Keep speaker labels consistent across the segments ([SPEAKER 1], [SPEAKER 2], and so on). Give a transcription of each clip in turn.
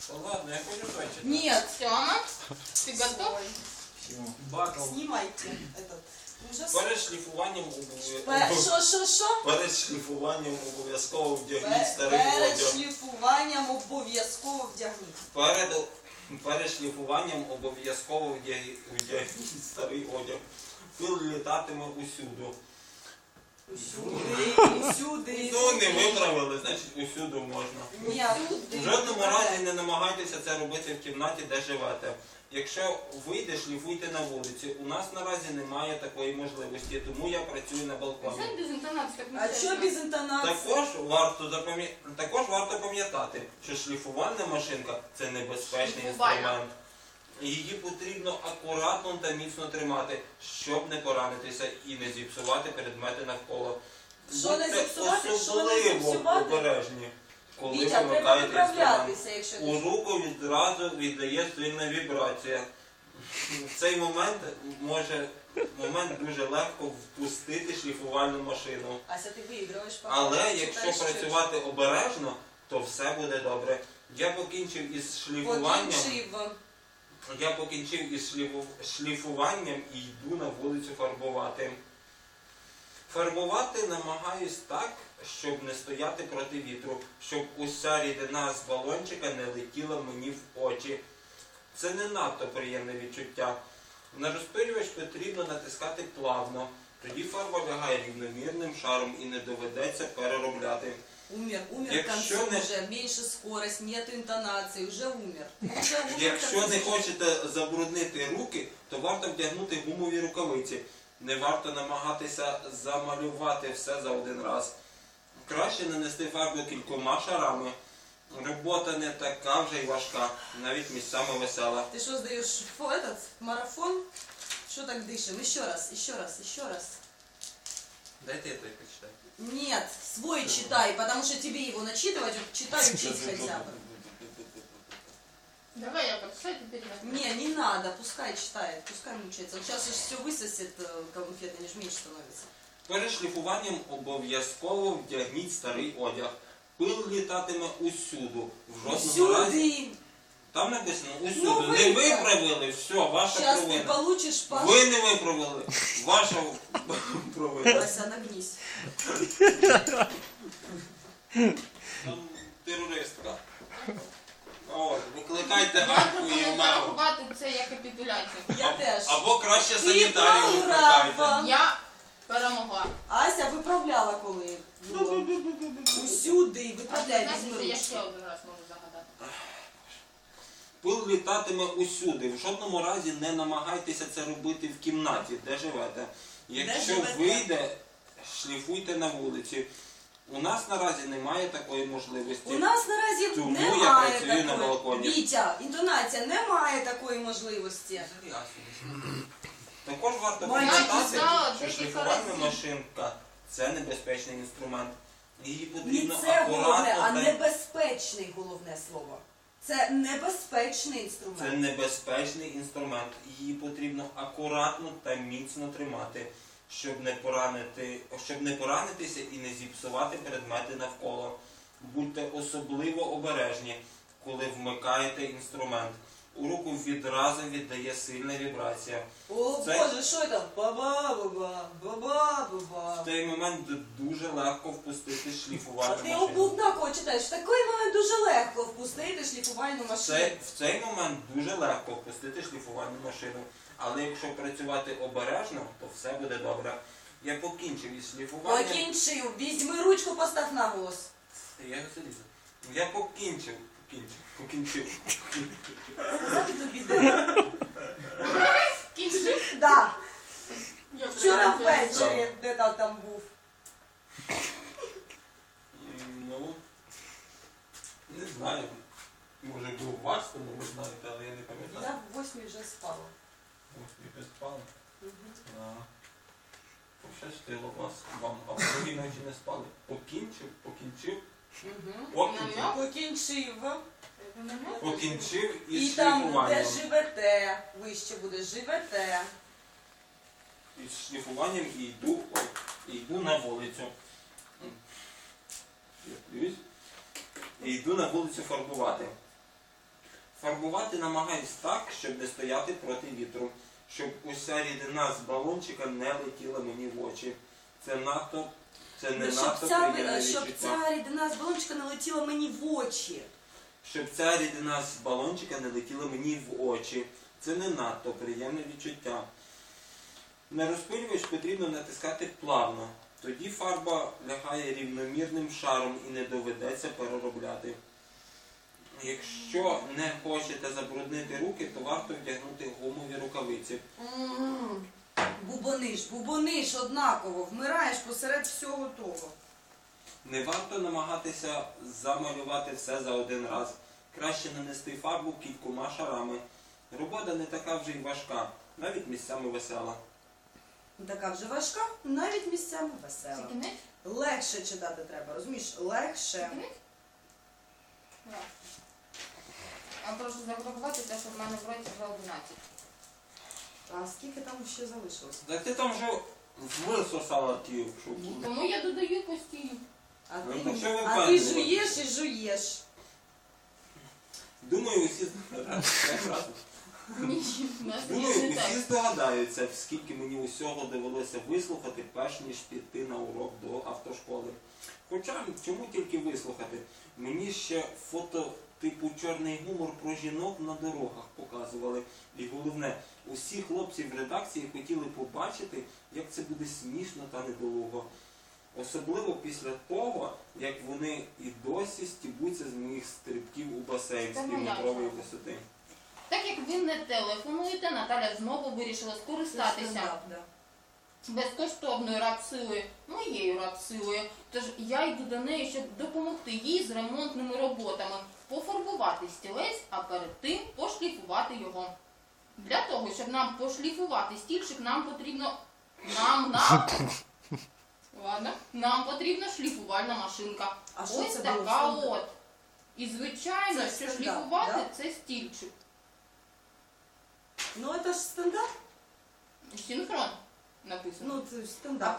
[SPEAKER 1] Ладно, я хочу точно.
[SPEAKER 2] Нет.
[SPEAKER 3] Тёма, ты готов?
[SPEAKER 1] Бакал.
[SPEAKER 2] Снимайте этот ужас.
[SPEAKER 1] Перед шліфуванням
[SPEAKER 2] Перед
[SPEAKER 1] обов'язково вдягніть старий одяг.
[SPEAKER 2] шліфуванням обов'язково вдягніть.
[SPEAKER 1] Перед шліфуванням обов'язково вдягніть старий одяг. Пил літатиме усюди.
[SPEAKER 2] Усюди.
[SPEAKER 1] Ну, не виправили, значить усюди можна. В жодному разі не намагайтеся це робити в кімнаті, де живете. Якщо вийде, шліфуйте на вулиці. У нас наразі немає такої можливості, тому я працюю на балконі.
[SPEAKER 3] Зачем без интонации, как
[SPEAKER 2] А що без інтонації?
[SPEAKER 1] Також варто пам'ятати, що шліфувальна машинка – це небезпечний
[SPEAKER 3] Шліфувальна.
[SPEAKER 1] інструмент. Її потрібно акуратно та міцно тримати, щоб не поранитися і не зіпсувати предмети навколо.
[SPEAKER 2] Що не
[SPEAKER 1] Будьте
[SPEAKER 2] зіпсувати, що не
[SPEAKER 1] особливо
[SPEAKER 2] зіпсувати?
[SPEAKER 1] обережні, коли
[SPEAKER 2] Вітя, треба
[SPEAKER 1] вимикаєте інструмент.
[SPEAKER 2] виправлятися, якщо
[SPEAKER 1] У
[SPEAKER 2] ти...
[SPEAKER 1] руку відразу віддає сильна вібрація. В цей момент дуже легко впустити шліфувальну машину.
[SPEAKER 2] Ася, ти виіграєш.
[SPEAKER 1] Але якщо працювати обережно, то все буде добре. Я покінчив із шліфуванням і йду на вулицю фарбувати. Фарбувати намагаюсь так, щоб не стояти проти вітру, щоб уся рідина з балончика не летіла мені в очі. Це не надто приємне відчуття. На розпилювач потрібно натискати плавно, тоді фарба лягає рівномірним шаром і не доведеться переробляти.
[SPEAKER 2] Умер к
[SPEAKER 1] Якщо
[SPEAKER 2] концу
[SPEAKER 1] не-
[SPEAKER 2] уже, меньше скорость, нет интонации, уже умер.
[SPEAKER 1] Якщо не хочете забруднити руки, то варто вдягнути гумові рукавиці. Не варто намагатися замалювати все за один раз. Краще нанести фарбу кількома шарами. Робота не така вже й важка, навіть місцями весела.
[SPEAKER 2] Ты что, сдаешь этот марафон? Что так дышим? Еще раз.
[SPEAKER 1] Дайте я той почитаю.
[SPEAKER 2] Нет, свой читай, потому что тебе его начитывать, вот читай, учись хотя бы.
[SPEAKER 3] Давай я почитаю, теперь я.
[SPEAKER 2] Не надо, пускай читает, пускай мучается. Вот сейчас же все высосет конфеты, они же меньше становятся.
[SPEAKER 1] Перед шліфуванням обов'язково вдягніть старий одяг. Пил літатиме усюди. В жодному разі.
[SPEAKER 2] Усюди!
[SPEAKER 1] Там написано усюди.
[SPEAKER 2] Ну,
[SPEAKER 1] Не
[SPEAKER 2] виправ.
[SPEAKER 1] виправили, все, ваша
[SPEAKER 2] Сейчас ты
[SPEAKER 1] провина.
[SPEAKER 2] получишь по...
[SPEAKER 1] Ви не виправили, ваша провина.
[SPEAKER 2] Вася, нагнись.
[SPEAKER 1] Там терористка. От, викликайте
[SPEAKER 3] Я
[SPEAKER 1] Арку
[SPEAKER 3] пропоную
[SPEAKER 1] і Омегу.
[SPEAKER 3] зарахувати це як капітуляцію.
[SPEAKER 2] Я теж.
[SPEAKER 1] Або краще
[SPEAKER 2] Ти
[SPEAKER 1] санітарію
[SPEAKER 2] програла.
[SPEAKER 1] викликайте.
[SPEAKER 3] Я перемогла.
[SPEAKER 2] Ася виправляла коли. було. Усюди, виправляй,
[SPEAKER 3] Знаєте,
[SPEAKER 2] візьми
[SPEAKER 3] це я
[SPEAKER 2] ручку.
[SPEAKER 3] ще один раз можу загадати.
[SPEAKER 1] Пил літатиме усюди. В жодному разі не намагайтеся це робити в кімнаті, де живете. Якщо
[SPEAKER 2] живете?
[SPEAKER 1] вийде, шліфуйте на вулиці. У нас наразі немає такої можливості.
[SPEAKER 2] У нас наразі
[SPEAKER 1] Тому я
[SPEAKER 2] немає
[SPEAKER 1] працюю на
[SPEAKER 2] такої.
[SPEAKER 1] балконі.
[SPEAKER 2] Вітя, інтонація, немає такої можливості.
[SPEAKER 1] Також варто
[SPEAKER 2] Мальчик,
[SPEAKER 1] пам'ятати,
[SPEAKER 3] знала
[SPEAKER 1] що
[SPEAKER 3] декілька
[SPEAKER 1] шліфувальна
[SPEAKER 3] разів.
[SPEAKER 1] машинка – це небезпечний інструмент. Її
[SPEAKER 2] Не
[SPEAKER 1] потрібно
[SPEAKER 2] це головне, а
[SPEAKER 1] акуратно та...
[SPEAKER 2] небезпечний головне слово. Це небезпечний
[SPEAKER 1] Це
[SPEAKER 2] інструмент.
[SPEAKER 1] небезпечний інструмент. Її потрібно акуратно та міцно тримати, щоб не поранитися і не зіпсувати предмети навколо. Будьте особливо обережні, коли вмикаєте інструмент. У руку відразу віддає сильна вібрація.
[SPEAKER 2] О
[SPEAKER 1] Це-
[SPEAKER 2] Боже, що це? Баба-баба, баба-баба.
[SPEAKER 1] В цей момент дуже легко впустити
[SPEAKER 2] А
[SPEAKER 1] шліфувальну
[SPEAKER 2] ти
[SPEAKER 1] машину.
[SPEAKER 2] облуднако читаєш. В такий момент дуже легко впустити шліфувальну машину.
[SPEAKER 1] В цей момент дуже легко впустити шліфувальну машину. Але якщо працювати обережно, то все буде добре. Я покінчив із шліфуванням.
[SPEAKER 2] Покінчив. Візьми ручку, постав на голос.
[SPEAKER 1] Я залізу. Я покінчив.
[SPEAKER 2] Сказати тобі де?
[SPEAKER 3] Кінчи.
[SPEAKER 2] Да.
[SPEAKER 3] Я
[SPEAKER 2] Вчора
[SPEAKER 3] прийду.
[SPEAKER 2] ввечері, де там був.
[SPEAKER 1] Ну, не знаю. Може був у вас, тому ви знаєте, але я не пам'ятаю.
[SPEAKER 2] Я в 8 вже спала.
[SPEAKER 1] Ось ви спали. Пощастило вам, а в другій ночі не спали. Покінчив. Покінчив
[SPEAKER 2] І
[SPEAKER 1] із
[SPEAKER 2] там, де
[SPEAKER 1] шліфуванням.
[SPEAKER 2] живете, вище буде, живете.
[SPEAKER 1] Із шліфуванням і йду на вулицю. Я дивлюсь. І йду на вулицю фарбувати. Фарбувати намагаюсь так, щоб не стояти проти вітру, щоб уся рідина з балончика не летіла мені в очі. Це не надто приємне
[SPEAKER 2] Щоб
[SPEAKER 1] відчуття.
[SPEAKER 2] ця рідина з балончика не летіла мені в очі.
[SPEAKER 1] Щоб ця рідина з балончика не летіла мені в очі. Це не надто приємне відчуття. На розпилювач потрібно натискати плавно. Тоді фарба лягає рівномірним шаром і не доведеться переробляти. Якщо не хочете забруднити руки, то варто вдягнути гумові рукавиці.
[SPEAKER 2] Бубониш однаково, вмираєш посеред всього того.
[SPEAKER 1] Не варто намагатися замалювати все за один раз. Краще нанести фарбу кількома шарами. Робота не така вже й важка, навіть місцями весела.
[SPEAKER 2] Така вже важка, навіть місцями весела.
[SPEAKER 3] Це кінець?
[SPEAKER 2] Легше читати треба, розумієш? Легше.
[SPEAKER 3] Кінець? Так. Я прошу зарахувати те, що в мене в році вже 11.
[SPEAKER 2] А скільки там ще залишилось?
[SPEAKER 1] Так ти там вже висосала ті шубу.
[SPEAKER 3] Тому я додаю постійно.
[SPEAKER 2] А
[SPEAKER 1] Ну,
[SPEAKER 2] ти,
[SPEAKER 1] так що ви
[SPEAKER 2] а ти
[SPEAKER 1] впевнені?
[SPEAKER 2] жуєш і жуєш.
[SPEAKER 1] Думаю, усі
[SPEAKER 3] Ні, в нас
[SPEAKER 1] Думаю,
[SPEAKER 3] не так.
[SPEAKER 1] усі здогадаються, скільки мені усього довелося вислухати, перш ніж піти на урок до автошколи. Хоча, чому тільки вислухати? Мені ще фото типу чорний гумор про жінок на дорогах показували. І головне, усі хлопці в редакції хотіли побачити, як це буде смішно та недолуго. Особливо після того, як вони і досі стібуться з моїх стрибків у басейн з
[SPEAKER 3] Це моя
[SPEAKER 1] півметрової
[SPEAKER 3] жаба.
[SPEAKER 1] висоти.
[SPEAKER 3] Так як ви не телефонуєте, Наталя знову вирішила скористатися
[SPEAKER 2] Стендап, да.
[SPEAKER 3] безкоштовною рапсилою, моєю рапсилою. Тож я йду до неї, щоб допомогти їй з ремонтними роботами, пофарбувати стілець, а перед тим пошліфувати його. Для того, щоб нам пошліфувати стільчик, нам потрібно... Ладно. Нам потрібна шліфувальна машинка.
[SPEAKER 2] А що
[SPEAKER 3] Ось
[SPEAKER 2] це
[SPEAKER 3] така
[SPEAKER 2] було?
[SPEAKER 3] от. І звичайно,
[SPEAKER 2] Це
[SPEAKER 3] що
[SPEAKER 2] стендап,
[SPEAKER 3] шліфувати
[SPEAKER 2] да?
[SPEAKER 3] це стільчик.
[SPEAKER 2] Ну це ж стендап.
[SPEAKER 3] Синхрон написано.
[SPEAKER 2] Ну це ж
[SPEAKER 3] А
[SPEAKER 2] стендап.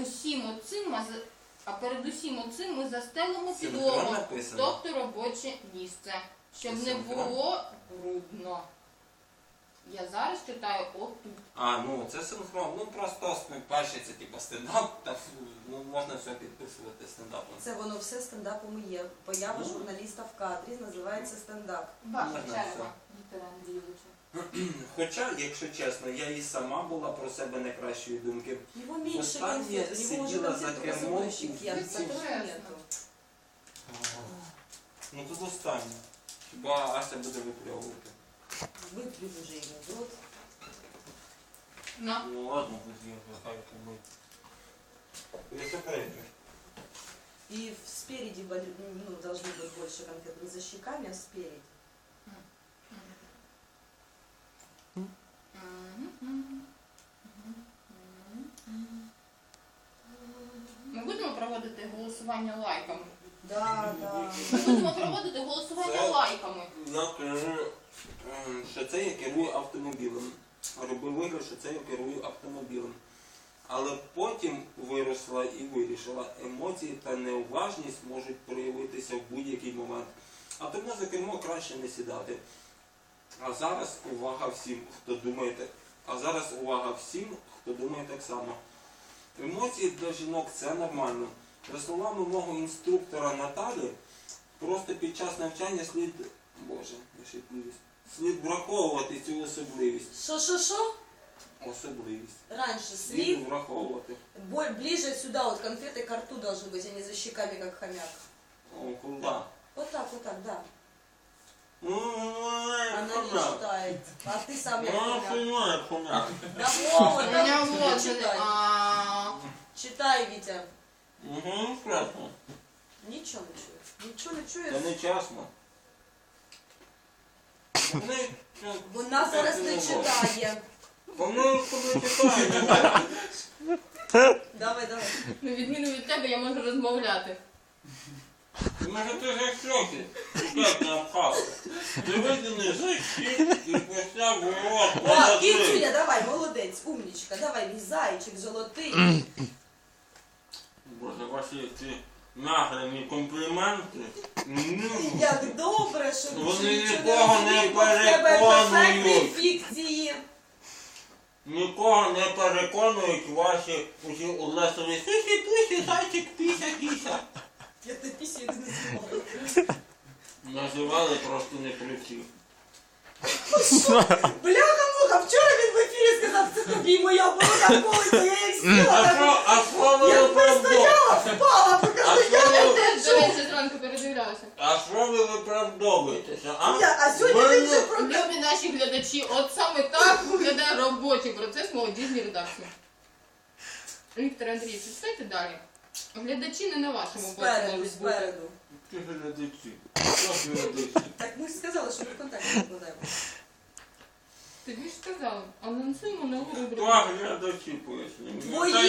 [SPEAKER 3] перед усім оцим ми застелимо
[SPEAKER 1] Синхрон
[SPEAKER 3] підлогу,
[SPEAKER 1] написано?
[SPEAKER 3] тобто робоче місце, щоб
[SPEAKER 1] Це
[SPEAKER 3] не
[SPEAKER 1] синхрон?
[SPEAKER 3] було брудно. Я зараз читаю отут.
[SPEAKER 1] А, ну це синхрон. Ну просто перший це типу стендап, так ну, можна все підписувати стендапом.
[SPEAKER 2] Це воно все стендапом і є. Поява
[SPEAKER 1] Ну.
[SPEAKER 2] журналіста в кадрі називається стендап.
[SPEAKER 3] Ваша
[SPEAKER 1] Можна
[SPEAKER 3] черга,
[SPEAKER 1] все.
[SPEAKER 3] Віктора Андрійовича.
[SPEAKER 1] Хоча, якщо чесно, я і сама була про себе не кращої думки.
[SPEAKER 2] Його менше
[SPEAKER 1] Останнє
[SPEAKER 2] конфет, у него уже
[SPEAKER 1] сиділа за
[SPEAKER 2] конфет
[SPEAKER 1] кермом
[SPEAKER 2] позаборщик,
[SPEAKER 1] у
[SPEAKER 2] я
[SPEAKER 1] віці.
[SPEAKER 2] которых нету.
[SPEAKER 1] Ну тут останнє. Хіба Ася буде випльовувати?
[SPEAKER 2] Выплюнь уже ему в рот.
[SPEAKER 3] На.
[SPEAKER 1] Ну ладно, тоді хай побить. Я це перейду.
[SPEAKER 2] И спереди ну, должны быть больше конфет. Не за щеками, а спереди.
[SPEAKER 3] Ми будемо проводити голосування лайками.
[SPEAKER 2] Да, да.
[SPEAKER 3] Ми будемо проводити голосування
[SPEAKER 1] Це-
[SPEAKER 3] лайками.
[SPEAKER 1] Я кажу, що це я керую автомобілем. Робив вигляд, що це я керую автомобілем. Але потім виросла і вирішила, емоції та неуважність можуть проявитися в будь-який момент. А тому за кермо краще не сідати. А зараз увага всім, хто думає так само. Емоції для жінок це нормально. За словами мого інструктора Наталі, просто під час навчання слід враховувати цю особливість.
[SPEAKER 2] Шо?
[SPEAKER 1] Особливість.
[SPEAKER 2] Раньше
[SPEAKER 1] Слід
[SPEAKER 2] слив.
[SPEAKER 1] враховувати.
[SPEAKER 2] Ближе сюда, вот конфеты к рту должны быть, а не за щеками, как хомяк.
[SPEAKER 1] О, куди?
[SPEAKER 2] Вот так, да.
[SPEAKER 1] Ну,
[SPEAKER 2] Она не читает. А ты сам як хомяк. Да
[SPEAKER 1] Хомяк.
[SPEAKER 2] вот,
[SPEAKER 3] У мене
[SPEAKER 2] да,
[SPEAKER 3] вот
[SPEAKER 2] читай. Читай, Витя.
[SPEAKER 1] Угу, страшно.
[SPEAKER 2] Ничего не чуешь. Ничего не
[SPEAKER 1] Це
[SPEAKER 2] чуєш.
[SPEAKER 1] не чесно.
[SPEAKER 2] Вона зараз не читає.
[SPEAKER 1] Вони коли читають.
[SPEAKER 2] Давай.
[SPEAKER 3] На відміну від тебе я можу розмовляти.
[SPEAKER 1] Може ти ж як шоки. Як не обхався. Ти виданий жахи і почав воювати.
[SPEAKER 2] О, Кіцюня, давай, молодець, умничка. Давай, мій зайчик золотий.
[SPEAKER 1] Боже, ваші ці нагрені компліменти.
[SPEAKER 2] Як добре, що
[SPEAKER 1] Вони
[SPEAKER 2] нічого
[SPEAKER 1] нікого не
[SPEAKER 2] розуміють, бо в тебе
[SPEAKER 1] переконують.
[SPEAKER 2] перфектні фікції.
[SPEAKER 1] Нікого не переконують ваші усі улесові сусі-пусі, зайчик, піся-кіся.
[SPEAKER 2] Я те пісію не знімаю.
[SPEAKER 1] Називали просто не при всіх.
[SPEAKER 2] Бляха-муха, вчора він в ефірі сказав, це тобі моя борода колиться, я як сіла, так
[SPEAKER 1] А що ви
[SPEAKER 2] я
[SPEAKER 1] виправдовуєте?
[SPEAKER 2] стояла, впала, покажу, я
[SPEAKER 3] Я
[SPEAKER 2] не
[SPEAKER 3] теж, до
[SPEAKER 2] держу.
[SPEAKER 3] речі, зранку передивлялася.
[SPEAKER 1] А що ви виправдовуєтеся, а?
[SPEAKER 2] А сьогодні
[SPEAKER 1] Ви
[SPEAKER 2] він вже
[SPEAKER 1] не-
[SPEAKER 2] про
[SPEAKER 3] Любі наші глядачі, от саме так виглядає робочий процес молодіжній редакції. Віктор Андрійович, читайте далі. Глядачі не на вашому боці
[SPEAKER 2] Спереду,
[SPEAKER 3] можуть бути.
[SPEAKER 2] спереду.
[SPEAKER 1] Ти глядачі. Що ж глядачі?
[SPEAKER 2] Так ми ж сказали, що ми в контакті викладаємо.
[SPEAKER 3] Тобі ж сказали, анонсуємо нову
[SPEAKER 1] Хто
[SPEAKER 3] рубрику.
[SPEAKER 1] глядачі пояснює?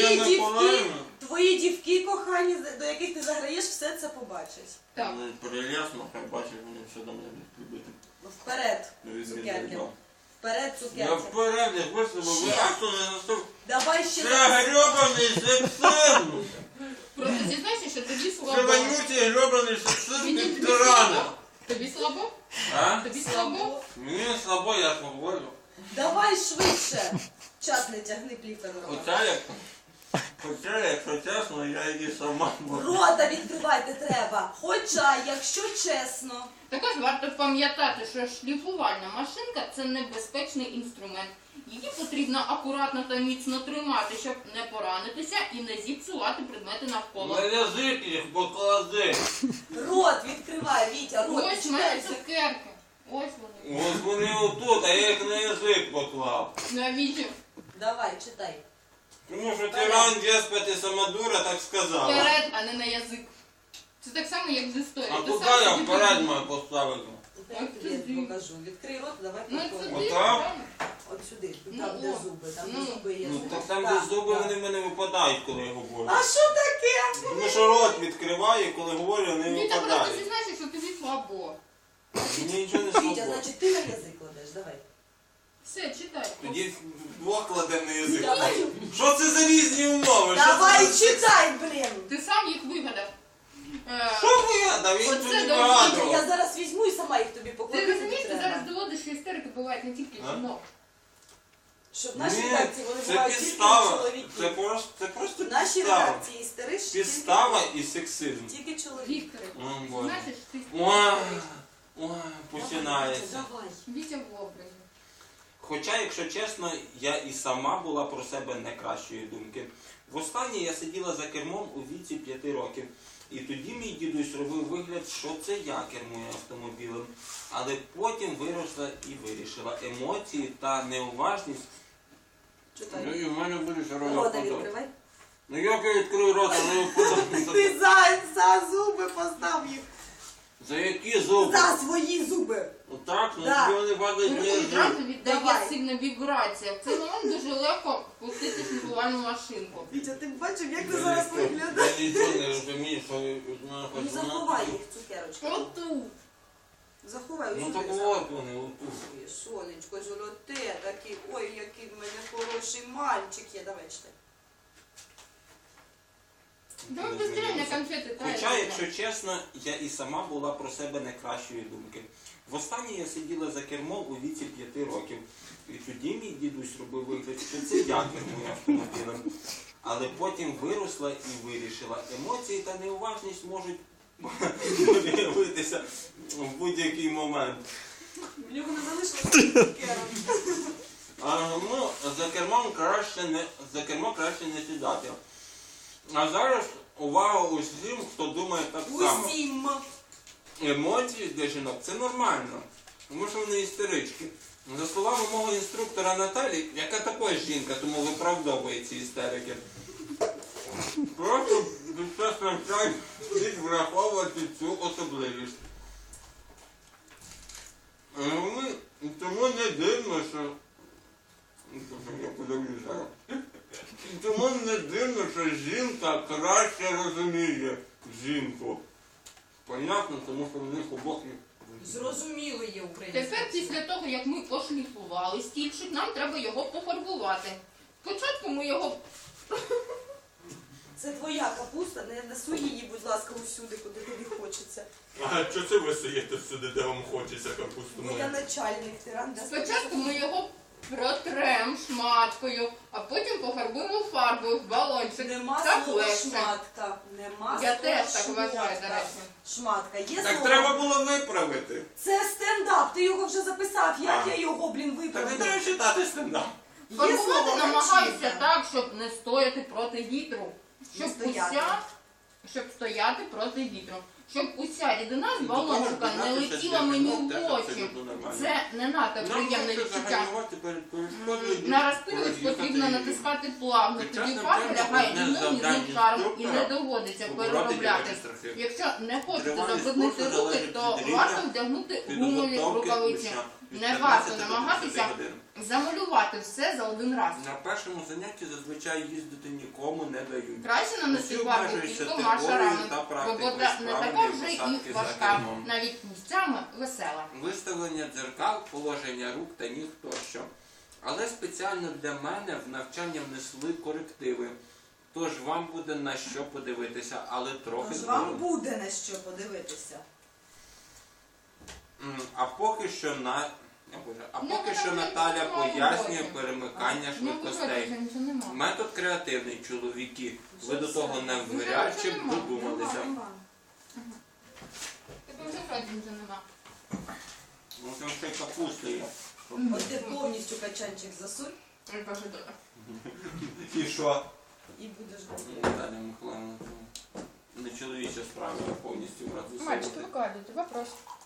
[SPEAKER 2] Твої дівки кохані, до яких ти заграєш, все це побачать.
[SPEAKER 3] Так.
[SPEAKER 1] Перелясно, хай бачить, вони все до мене любити.
[SPEAKER 2] Вперед, цукерки. Вперед,
[SPEAKER 1] Я
[SPEAKER 2] цукерки.
[SPEAKER 1] вперед, я висловив, ви акту не настав.
[SPEAKER 2] Давай ще
[SPEAKER 1] Це
[SPEAKER 2] раз.
[SPEAKER 1] грьобаний сексизм!
[SPEAKER 3] Просто зізнайся, що тобі
[SPEAKER 1] Це
[SPEAKER 3] слабо.
[SPEAKER 1] вонючий грьобаний сексизм
[SPEAKER 3] Тобі
[SPEAKER 1] від тирана.
[SPEAKER 3] слабо? Тобі слабо?
[SPEAKER 1] А?
[SPEAKER 3] Тобі слабо?
[SPEAKER 1] Мені слабо, я ж говорю.
[SPEAKER 2] Давай швидше. Час не тягни плівка до рота.
[SPEAKER 1] Хоча, якщо чесно, я її сама можу.
[SPEAKER 2] Рота відкривати треба. Хоча, якщо чесно.
[SPEAKER 3] Також варто пам'ятати, що шліфувальна машинка – це небезпечний інструмент. Її потрібно акуратно та міцно тримати, щоб не поранитися і не зіпсувати предмети навколо.
[SPEAKER 1] На язик їх поклади.
[SPEAKER 2] Рот відкривай, Вітя, рот.
[SPEAKER 3] Ось в мене цукерки. Ось вони.
[SPEAKER 1] Ось вони отут, а я їх на язик поклав.
[SPEAKER 3] Навіщо?
[SPEAKER 2] Давай, читай.
[SPEAKER 1] Тому що тиран, деспот і самодура так сказала.
[SPEAKER 3] Вперед, а не на язик. Це так само, як з історією.
[SPEAKER 1] А
[SPEAKER 3] Ти
[SPEAKER 1] куди
[SPEAKER 3] сам
[SPEAKER 1] я
[SPEAKER 3] собі
[SPEAKER 1] вперед
[SPEAKER 3] придумав.
[SPEAKER 1] маю поставити?
[SPEAKER 2] Я тобі покажу. Відкрий рот, давай
[SPEAKER 3] Ну,
[SPEAKER 2] попробуємо.
[SPEAKER 3] сюди,
[SPEAKER 1] Отак?
[SPEAKER 3] правильно?
[SPEAKER 2] От сюди,
[SPEAKER 3] Ну,
[SPEAKER 2] там де
[SPEAKER 3] о.
[SPEAKER 2] зуби, там
[SPEAKER 3] Ну.
[SPEAKER 2] де зуби є.
[SPEAKER 1] Ну
[SPEAKER 2] зуби.
[SPEAKER 1] так там,
[SPEAKER 2] Так,
[SPEAKER 1] де зуби,
[SPEAKER 2] так.
[SPEAKER 1] вони в мене випадають, коли я говорю.
[SPEAKER 2] А що таке?
[SPEAKER 1] Тому що рот відкриваю, коли говорю, вони
[SPEAKER 3] Віта, просто
[SPEAKER 1] випадають.
[SPEAKER 3] зізнайся, що тобі слабо.
[SPEAKER 1] Мені нічого не
[SPEAKER 2] Вітя,
[SPEAKER 1] слабо.
[SPEAKER 2] значить ти на язик кладеш, давай.
[SPEAKER 3] Все, читай.
[SPEAKER 1] Тоді двох кладемо на язик.
[SPEAKER 2] Давай,
[SPEAKER 1] Що це за різні умови? Що
[SPEAKER 2] давай
[SPEAKER 1] це за-
[SPEAKER 2] читай, блін.
[SPEAKER 3] Ти сам їх вигадав.
[SPEAKER 1] Що вигадав? Він
[SPEAKER 3] Оце
[SPEAKER 1] тут не
[SPEAKER 3] до
[SPEAKER 2] Я
[SPEAKER 1] вигадував.
[SPEAKER 2] зараз візьму і сама їх тобі покладу.
[SPEAKER 3] Ти
[SPEAKER 2] тобі
[SPEAKER 3] розумієш, ти
[SPEAKER 2] треба.
[SPEAKER 3] зараз доводиш, що істерики бувають не тільки
[SPEAKER 1] А?
[SPEAKER 3] жінок.
[SPEAKER 2] Що в нашій
[SPEAKER 1] Ні,
[SPEAKER 2] редакції вони
[SPEAKER 1] це
[SPEAKER 2] бувають тільки
[SPEAKER 1] підстава.
[SPEAKER 2] чоловіки.
[SPEAKER 1] Це просто
[SPEAKER 2] В нашій
[SPEAKER 1] підстава.
[SPEAKER 2] редакції істериш
[SPEAKER 1] Підстава і сексизм.
[SPEAKER 2] тільки чоловік.
[SPEAKER 3] Вікторе,
[SPEAKER 1] О, Боже.
[SPEAKER 3] знаєш, ти
[SPEAKER 1] Ой, ой, починається.
[SPEAKER 2] Давай.
[SPEAKER 3] Вітя в образі.
[SPEAKER 1] Хоча, якщо чесно, я і сама була про себе не кращої думки. Востаннє я сиділа за кермом у віці 5 років. І тоді мій дідусь робив вигляд, що це я кермую автомобілем. Але потім виросла і вирішила. Емоції та неуважність.
[SPEAKER 2] Читай.
[SPEAKER 1] Ну і в мене буде що
[SPEAKER 2] Рота відкривай.
[SPEAKER 1] Ну як я відкрию рота, не впадаю.
[SPEAKER 2] Ти за зуби постав їх.
[SPEAKER 1] За які зуби?
[SPEAKER 2] За свої зуби.
[SPEAKER 1] Отак, ну
[SPEAKER 2] Да.
[SPEAKER 1] тобі вони падають
[SPEAKER 3] Тому
[SPEAKER 1] не
[SPEAKER 3] відразу
[SPEAKER 1] зуби.
[SPEAKER 3] віддає
[SPEAKER 2] Давай.
[SPEAKER 3] сильна вібрація. В цей момент дуже легко пустити шліфувальну машинку.
[SPEAKER 2] Вітя, ти бачив, як
[SPEAKER 1] Я
[SPEAKER 2] ти зараз
[SPEAKER 1] нічого-
[SPEAKER 2] виглядаєш?
[SPEAKER 1] Я нічого не розумію, що ви
[SPEAKER 2] Ну
[SPEAKER 1] хоч
[SPEAKER 2] заховай їх, цукерочки.
[SPEAKER 3] Оту.
[SPEAKER 2] Заховай,
[SPEAKER 1] Ну
[SPEAKER 2] ось
[SPEAKER 1] так
[SPEAKER 2] сюди.
[SPEAKER 1] от вони, отут.
[SPEAKER 2] Ой, сонечко, золоте, такий, ой, який в мене хороший мальчик є. Давай читай.
[SPEAKER 3] Давай быстрее на конфети.
[SPEAKER 1] Хоча, якщо чесно, я і сама була про себе не кращої думки. Востаннє я сиділа за кермом у віці 5 років. І тоді мій дідусь робив вигляд, що це я кермую автомобілем. Але потім виросла і вирішила. Емоції та неуважність можуть виявитися в будь-який момент.
[SPEAKER 2] В нього не залишилося цукерок.
[SPEAKER 1] Ну, за кермо краще не сідати. А зараз увага усім, хто думає так само.
[SPEAKER 2] Усім.
[SPEAKER 1] Емоції для жінок це нормально, тому що вони істерички. За словами мого інструктора Наталі, яка також жінка, тому виправдовує ці істерики. Просто під час навчань слід враховувати цю особливість. Тому не дивно, що... Я подивлюсь зараз. Тому не дивно, що жінка краще розуміє жінку. Понятно, тому що в них обох є.
[SPEAKER 2] Зрозуміло є українська.
[SPEAKER 3] Тепер після того, як ми пошліфували стільчик, нам треба його пофарбувати. Спочатку ми його
[SPEAKER 2] Це твоя капуста, не суй її, будь ласка, усюди, куди тобі хочеться.
[SPEAKER 4] А що це ви суєте всюди, де вам хочеться капусту
[SPEAKER 2] Бо я
[SPEAKER 4] мою?
[SPEAKER 2] начальник, тиран.
[SPEAKER 3] Спочатку ми його протрем шматкою, а потім пофарбуємо фарбою в балончик.
[SPEAKER 2] Нема
[SPEAKER 3] Так
[SPEAKER 2] слова
[SPEAKER 3] легше.
[SPEAKER 2] шматка. Нема
[SPEAKER 3] Я
[SPEAKER 2] слова
[SPEAKER 3] теж так вважаю, до
[SPEAKER 2] шмотка.
[SPEAKER 3] речі.
[SPEAKER 2] Шматка. Є
[SPEAKER 1] Так
[SPEAKER 2] слово.
[SPEAKER 1] треба було виправити.
[SPEAKER 2] Це стендап, ти його вже записав. Як
[SPEAKER 1] А.
[SPEAKER 2] я його, блін,
[SPEAKER 1] Так не
[SPEAKER 2] виправлю?
[SPEAKER 1] треба читати стендап.
[SPEAKER 2] Є
[SPEAKER 3] Фарбувати
[SPEAKER 2] слово
[SPEAKER 3] намагаюся
[SPEAKER 2] «гачінка».
[SPEAKER 3] так, щоб не стояти проти вітру. Щоб
[SPEAKER 2] стояти.
[SPEAKER 3] щоб стояти проти вітру. Щоб уся рідина з
[SPEAKER 1] До того ж,
[SPEAKER 3] балончика не
[SPEAKER 1] додати
[SPEAKER 3] летіла
[SPEAKER 1] щось
[SPEAKER 3] мені
[SPEAKER 1] для
[SPEAKER 3] в
[SPEAKER 1] теж
[SPEAKER 3] очі.
[SPEAKER 1] абсолютно нормально.
[SPEAKER 3] Це не надто приємне відчуття.
[SPEAKER 4] перед перешкодою.
[SPEAKER 3] На розпилювач потрібно натискати плавно, тоді фарба лягає рівним ніжним шаром і не доводиться переробляти. Якщо не хочете забруднити руки, то варто вдягнути гумові рукавиці. Не варто намагатися замалювати все за один раз.
[SPEAKER 1] На першому занятті зазвичай їздити нікому не дають.
[SPEAKER 3] Краще нанести
[SPEAKER 1] Усі
[SPEAKER 3] фарбу
[SPEAKER 1] обмежуються
[SPEAKER 3] кількома
[SPEAKER 1] теорією
[SPEAKER 3] шарами,
[SPEAKER 1] та
[SPEAKER 3] бо
[SPEAKER 1] практикою
[SPEAKER 3] вода не така
[SPEAKER 1] справжньої
[SPEAKER 3] вже і
[SPEAKER 1] посадки за
[SPEAKER 3] важка,
[SPEAKER 1] кермом.
[SPEAKER 3] навіть місцями весела.
[SPEAKER 1] Виставлення дзеркал, положення рук та ніг тощо. Але спеціально для мене в навчання внесли корективи. Тож вам буде на що подивитися, але трохи
[SPEAKER 2] Тож вам
[SPEAKER 1] згодом.
[SPEAKER 2] буде на що подивитися.
[SPEAKER 1] А поки що
[SPEAKER 3] Ну,
[SPEAKER 1] поки що
[SPEAKER 3] там
[SPEAKER 1] Наталя
[SPEAKER 3] нічого немає
[SPEAKER 1] пояснює
[SPEAKER 3] роботи.
[SPEAKER 1] перемикання
[SPEAKER 3] Ну,
[SPEAKER 1] швидкостей.
[SPEAKER 3] вже нічого немає.
[SPEAKER 1] Метод креативний, чоловіки. Ви
[SPEAKER 2] Вже
[SPEAKER 1] до того
[SPEAKER 2] все.
[SPEAKER 1] навряд чи б
[SPEAKER 3] Вже нема.
[SPEAKER 1] додумалися.
[SPEAKER 2] Нема.
[SPEAKER 3] Тепер вже справді нічого нема.
[SPEAKER 1] Ну там ще й капуста є.
[SPEAKER 2] От ти повністю качанчик засунь
[SPEAKER 3] Я кажу, добре.
[SPEAKER 1] І що?
[SPEAKER 2] і будеш добре.
[SPEAKER 1] Наталя Михайловна, не чоловіча справа, а повністю брати
[SPEAKER 3] Мальчики, викладайте, вопрос.